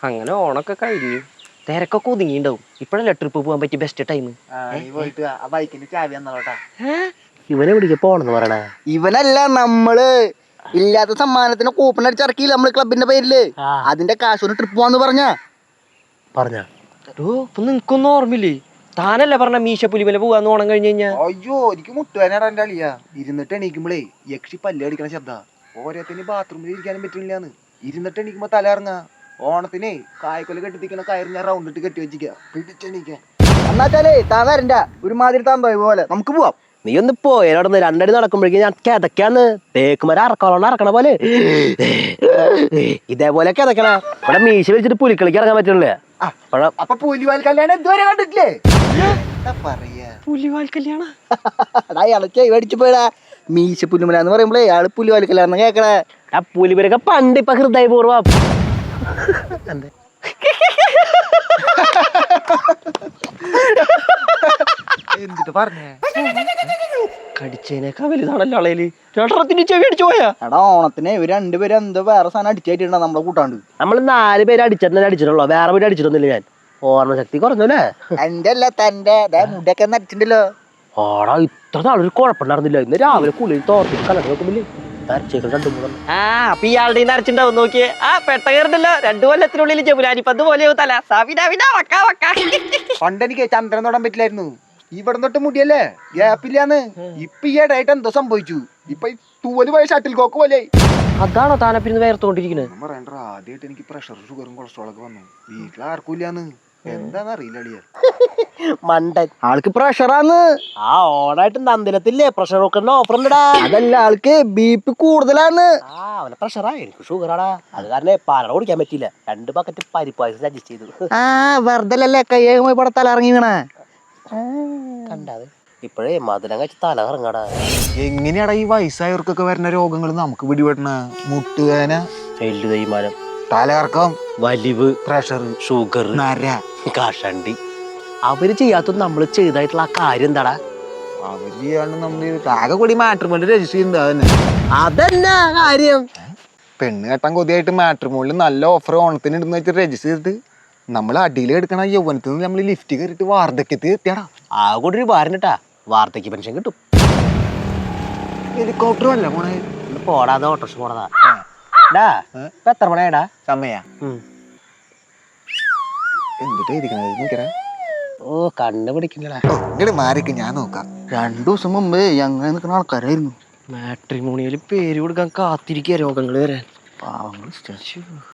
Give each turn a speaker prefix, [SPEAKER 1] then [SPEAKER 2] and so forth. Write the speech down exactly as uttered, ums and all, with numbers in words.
[SPEAKER 1] അങ്ങനെ ഓണൊക്കെ കഴിഞ്ഞു, തിരക്കൊക്കെ ഒതുങ്ങിണ്ടാവും. ഇപ്പഴല്ലേ ട്രിപ്പ് പോകാൻ പറ്റിയ ബെസ്റ്റ് ടൈം. ഇവനെ പിടിക്ക പോണെന്ന് പറയണേ.
[SPEAKER 2] ഇവനല്ല, നമ്മള് ഇല്ലാത്ത സമ്മാനത്തിന് കൂപ്പൺ അടിച്ചിറക്കിയില്ല നമ്മള് ക്ലബിന്റെ പേരില്. അതിന്റെ കാശ് ട്രിപ്പ് പോവാന്ന് പറഞ്ഞ
[SPEAKER 1] പറഞ്ഞ നിനക്കൊന്നും ഓർമ്മയില്ലേ? താനല്ലേ പറഞ്ഞ മീശ പുലിമല പോവാന്ന് ഓണം കഴിഞ്ഞ് കഴിഞ്ഞാ.
[SPEAKER 2] അയ്യോ, എനിക്ക് മുട്ടുവേനാടാ എന്റെ അളിയാ. ഇരുന്നിട്ട് എണീക്കുമ്പോളേ യക്ഷി പല്ല് അടിക്കണ ശബ്ദ. ഓരോത്തിന് ബാത്റൂമിൽ ഇരിക്കാനും പറ്റില്ലാന്ന്. ഇരുന്നിട്ട് എണീക്കുമ്പോ തല ഇറങ്ങാ. ഓണത്തിനെ കായ്ക്കൊല കെട്ടിത്തിക്കണ കയറി ഞാൻ റൗണ്ട് ഇട്ട് കെട്ടി വെച്ചിക്ക പിടിച്ചെണീക്കാൻ. എന്നാച്ചാലേ താൻ വരണ്ട, ഒരുമാതിരി താൻ പോയ പോലെ. നമുക്ക് പോവാം.
[SPEAKER 1] നീ ഒന്ന് പോയടന്ന് രണ്ടടി നടക്കുമ്പോഴേക്കും ഞാൻ കിതക്കാന്ന് തേക്കുമര അറക്കോളോണ്ട് അറക്കണ പോലെ ഇതേപോലെ കിതക്കണ. ഇവിടെ മീശ വെച്ചിട്ട് പുലിക്കളിക്ക് ഇറങ്ങാൻ പറ്റണില്ലേ?
[SPEAKER 2] അപ്പൊ പുലിവാൽ കല്യാണം ഇതുവരെ കണ്ടിട്ടില്ലേ? പറയാ
[SPEAKER 1] പുലിവാൽ കല്യാണം
[SPEAKER 2] അയാളെ മേടിച്ചു പോയടാ. മീശ പുലിമല എന്ന് പറയുമ്പോഴേ അയാള് പുലിവാൽ കല്യാണം കേക്കണേ.
[SPEAKER 1] ആ പുലിപരൊക്കെ പണ്ട് ഇപ്പൊ ഹൃദയപൂർവ്വം
[SPEAKER 2] എന്തിട്ട് പറഞ്ഞേ?
[SPEAKER 1] കടിച്ചതിനേക്കാ വലുതാണല്ലോ ആളേല്. രണ്ടെണ്ണത്തിന് ചെവി അടിച്ചു പോയാ.
[SPEAKER 2] എടാ, ഓണത്തിന് ഇവര് രണ്ടുപേരും എന്തോ വേറെ സാധനം അടിച്ചായിട്ടുണ്ടോ നമ്മളെ കൂട്ടാണ്ട്.
[SPEAKER 1] നമ്മള് നാല് പേര് അടിച്ചിട്ട് അടിച്ചിട്ടുള്ളൂ, വേറെ പേര് അടിച്ചിട്ടൊന്നുമില്ല. ഞാൻ ഓർമ്മശക്തി കുറഞ്ഞല്ലേ?
[SPEAKER 2] എന്റെ അല്ല തന്റെ മുടിയൊക്കെ നടിച്ചിട്ടുണ്ടല്ലോ.
[SPEAKER 1] ആടാ, ഇത്ര നാളൊരു കുഴപ്പമുണ്ടായിരുന്നില്ല. ഇന്ന് രാവിലെ കുളിയിൽ തോർത്തിട്ട് കലക്കി നോക്കുമ്പോഴേ നരച്ചേക്കൾ രണ്ടു മൂന്ന്. ആ അപ്പൊ ഇയാളുടെ നരച്ചിണ്ടാവും നോക്കിയേ. ആ പെട്ട കയറുണ്ടല്ലോ, രണ്ടു കൊല്ലത്തിനുള്ളിൽ ജമുനാനിപ്പന്ത് പോലെ തല.
[SPEAKER 2] പണ്ടെനിക്ക് ചന്ദ്രൻ തൊടാൻ പറ്റില്ലായിരുന്നു. ഇവിടെ തൊട്ട് മുടിയല്ലേ, ഗ്യാപ്പില്ലാന്ന്. ഇപ്പൊ ഈ ഇടയായിട്ട് എന്തോ സംഭവിച്ചു. ഇപ്പൊ തൂവല് പോയ ഷട്ടിൽ കോക്ക് പോലെ.
[SPEAKER 1] അതാണോ താനപ്പിന്ന് വേർത്തോണ്ടിരിക്കുന്നത്?
[SPEAKER 2] പറയണ്ട, ആദ്യമായിട്ട് എനിക്ക് പ്രഷർ ഷുഗറും കൊളസ്ട്രോളൊക്കെ വന്നു. വീട്ടിൽ ആർക്കും ഇല്ലാന്ന്. എന്താന്ന് അറിയില്ല.
[SPEAKER 1] മണ്ടൻ
[SPEAKER 2] ആൾക്ക് പ്രഷറാന്ന്.
[SPEAKER 1] ആ ഓണായിട്ട് നന്ദിലത്തില്ലേ പ്രഷർ കുക്കറിന്റെ ഓഫർ ഉണ്ടടാ.
[SPEAKER 2] അതല്ല, ആൾക്ക് ബി പി കൂടുതലാന്ന്.
[SPEAKER 1] ആ അവനെ പ്രഷറാ, എനിക്ക് ഷുഗറാടാ. അത് കാരണം പാലട കുടിക്കാൻ പറ്റില്ല. രണ്ട് ബക്കറ്റ് പരിപ്പായസം അഡ്ജസ്റ്റ് ചെയ്തു.
[SPEAKER 2] ആ വെറുതെ കയ്യേമായി പട തല ഇറങ്ങിക്കണേ.
[SPEAKER 1] കണ്ടാത് ഇപ്പഴേ മധുരം കഴിച്ച് തല ഇറങ്ങാടാ.
[SPEAKER 2] എങ്ങനെയാടാ ഈ വയസ്സായവർക്കൊക്കെ വരുന്ന രോഗങ്ങൾ നമുക്ക് പിടിപെടണ? മുട്ടുവേന,
[SPEAKER 1] എല്ലു തേയ്മാനം,
[SPEAKER 2] തലകറക്കം,
[SPEAKER 1] വലിവ്,
[SPEAKER 2] പ്രഷർ,
[SPEAKER 1] ഷുഗർ,
[SPEAKER 2] നര,
[SPEAKER 1] കഷണ്ടി. അവര് ചെയ്യാത്തത് നമ്മള് ചെയ്തായിട്ടുള്ള ആ കാര്യം എന്താടാ?
[SPEAKER 2] അവര് ചെയ്യാണ്ട് നമ്മള് ആകെ കൂടി മാട്രിമോണിയിൽ രജിസ്റ്റർ ചെയ്യുന്നത്
[SPEAKER 1] അതന്നെ കാര്യം.
[SPEAKER 2] പെണ്ണ് കെട്ടാൻ കൊതിയായിട്ട് മാട്രിമോണിയിൽ നല്ല ഓഫർ ഓണത്തിന് ഇടുന്ന വെച്ചിട്ട് രജിസ്റ്റർ ചെയ്തിട്ട് നമ്മൾ അടിയിൽ എടുക്കണ യൗവനത്തിൽ നിന്ന് നമ്മൾ ലിഫ്റ്റ് കയറിയിട്ട് വാർദ്ധക്യത്തിൽ എത്തിയാടാ.
[SPEAKER 1] ആ കൂടെ ഒരു ഭാരനട്ടാ, വാർദ്ധക്യ പെൻഷൻ കിട്ടും.
[SPEAKER 2] ഹെലികോപ്റ്റർ അല്ല പോണേ.
[SPEAKER 1] പോടാതെ ഓട്ടോറിക്ഷ പോണതാ. ഇപ്പൊ എത്ര മണിയാടാ
[SPEAKER 2] സമയ? എന്തിട്ടാ ഇരിക്കണേ?
[SPEAKER 1] ഓ കണ്ണ് പിടിക്കണ്ടടാ.
[SPEAKER 2] ഇങ്ങോട്ട് മാറിക്ക്, ഞാൻ നോക്കാം. രണ്ടു ദിവസം മുമ്പ് അങ്ങനെ നിൽക്കുന്ന ആൾക്കാരായിരുന്നു.
[SPEAKER 1] മാട്രിമോണിയിൽ പേര് കൊടുക്കാൻ കാത്തിരിക്കുക രോഗങ്ങൾ വരാൻ.
[SPEAKER 2] പാവങ്ങൾ.